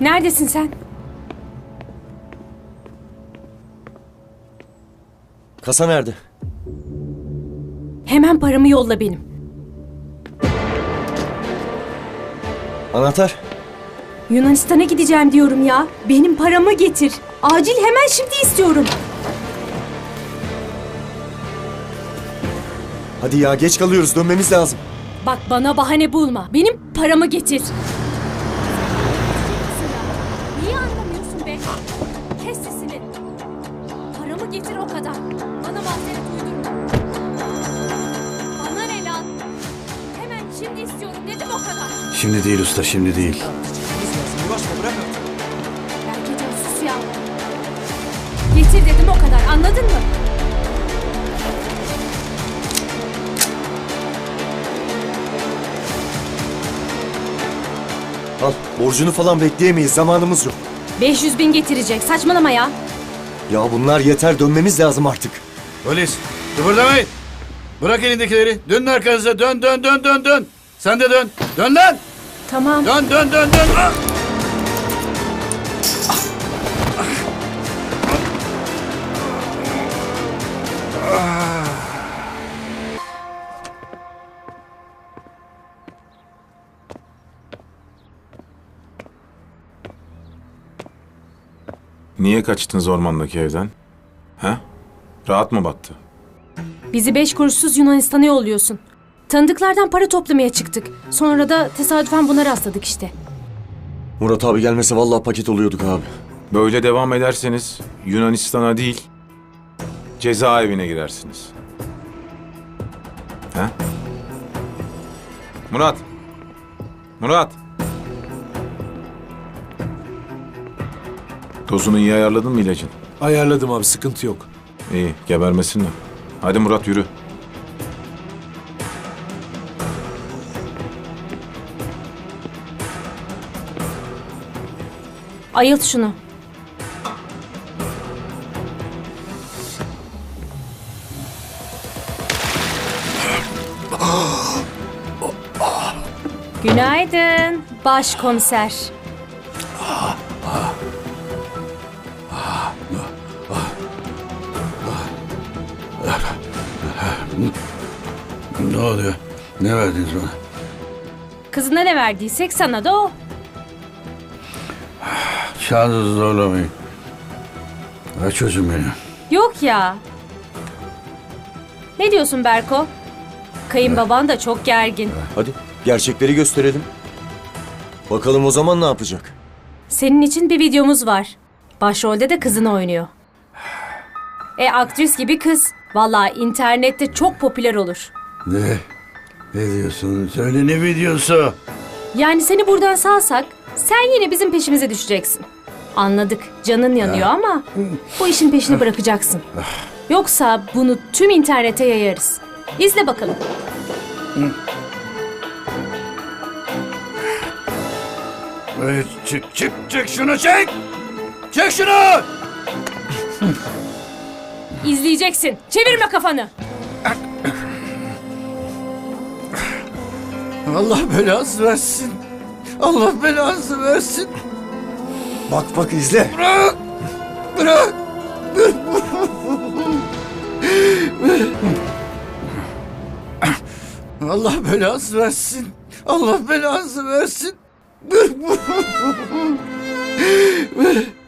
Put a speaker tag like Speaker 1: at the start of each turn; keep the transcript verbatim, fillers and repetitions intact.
Speaker 1: Neredesin sen?
Speaker 2: Kasa nerede?
Speaker 1: Hemen paramı yolla benim.
Speaker 2: Anahtar?
Speaker 1: Yunanistan'a gideceğim diyorum ya. Benim paramı getir. Acil, hemen şimdi istiyorum.
Speaker 2: Hadi ya, geç kalıyoruz, dönmemiz lazım.
Speaker 1: Bak, bana bahane bulma. Benim paramı getir. Niye anlamıyorsun be? Kes sesini. Paramı getir, o kadar. Bana mazeret uydurma. Bana ne lan? Hemen şimdi istiyorum dedim, o kadar.
Speaker 3: Şimdi değil usta, şimdi değil.
Speaker 1: Berkecan, sus ya. Getir dedim, o kadar. Anladın mı?
Speaker 2: Al, borcunu falan bekleyemeyiz, zamanımız yok.
Speaker 1: beş yüz bin getirecek. Saçmalama ya.
Speaker 2: Ya bunlar yeter, dönmemiz lazım artık.
Speaker 3: Polis, kıpırdamayın. Bırak elindekileri. Dönün arkanıza. Dön, dön, dön, dön, dön. Sen de dön. Dön lan.
Speaker 1: Tamam.
Speaker 3: Dön, dön, dön, dön. Ah!
Speaker 4: Niye kaçtınız ormandaki evden? He? Rahat mı battı?
Speaker 1: Bizi beş kuruşsuz Yunanistan'a yolluyorsun. Tanıdıklardan para toplamaya çıktık. Sonra da tesadüfen buna rastladık işte.
Speaker 2: Murat abi gelmese vallahi paket oluyorduk abi.
Speaker 4: Böyle devam ederseniz Yunanistan'a değil, cezaevine girersiniz. He? Murat! Murat! Dozunu iyi ayarladın mı ilacın?
Speaker 5: Ayarladım abi, sıkıntı yok.
Speaker 4: İyi, gebermesinler. Hadi Murat, yürü.
Speaker 1: Ayılt şunu. Günaydın başkomiser.
Speaker 3: Ne oluyor? Ne verdiniz bana?
Speaker 1: Kızına ne verdiysek sana da o.
Speaker 3: Şansınızı zorlamayın. Ver çocuğum beni.
Speaker 1: Yok ya. Ne diyorsun Berko? Kayınbaban da çok gergin.
Speaker 2: Hadi, gerçekleri gösterelim. Bakalım o zaman ne yapacak?
Speaker 1: Senin için bir videomuz var. Başrolde de kızını oynuyor. E aktris gibi kız. Vallahi internette çok popüler olur.
Speaker 3: Ne? Ne diyorsun? Söyle, ne videosu?
Speaker 1: Yani seni buradan salsak sen yine bizim peşimize düşeceksin. Anladık, canın yanıyor ama bu işin peşini bırakacaksın. Yoksa bunu tüm internete yayarız. İzle bakalım.
Speaker 3: Evet, çık çık çık şunu çek! Çek şunu!
Speaker 1: İzleyeceksin. Çevirme kafanı.
Speaker 3: Allah belanızı versin. Allah belanızı versin.
Speaker 2: Bak bak, izle.
Speaker 3: Bırak! Bırak! Allah belanızı versin. Allah belanızı versin.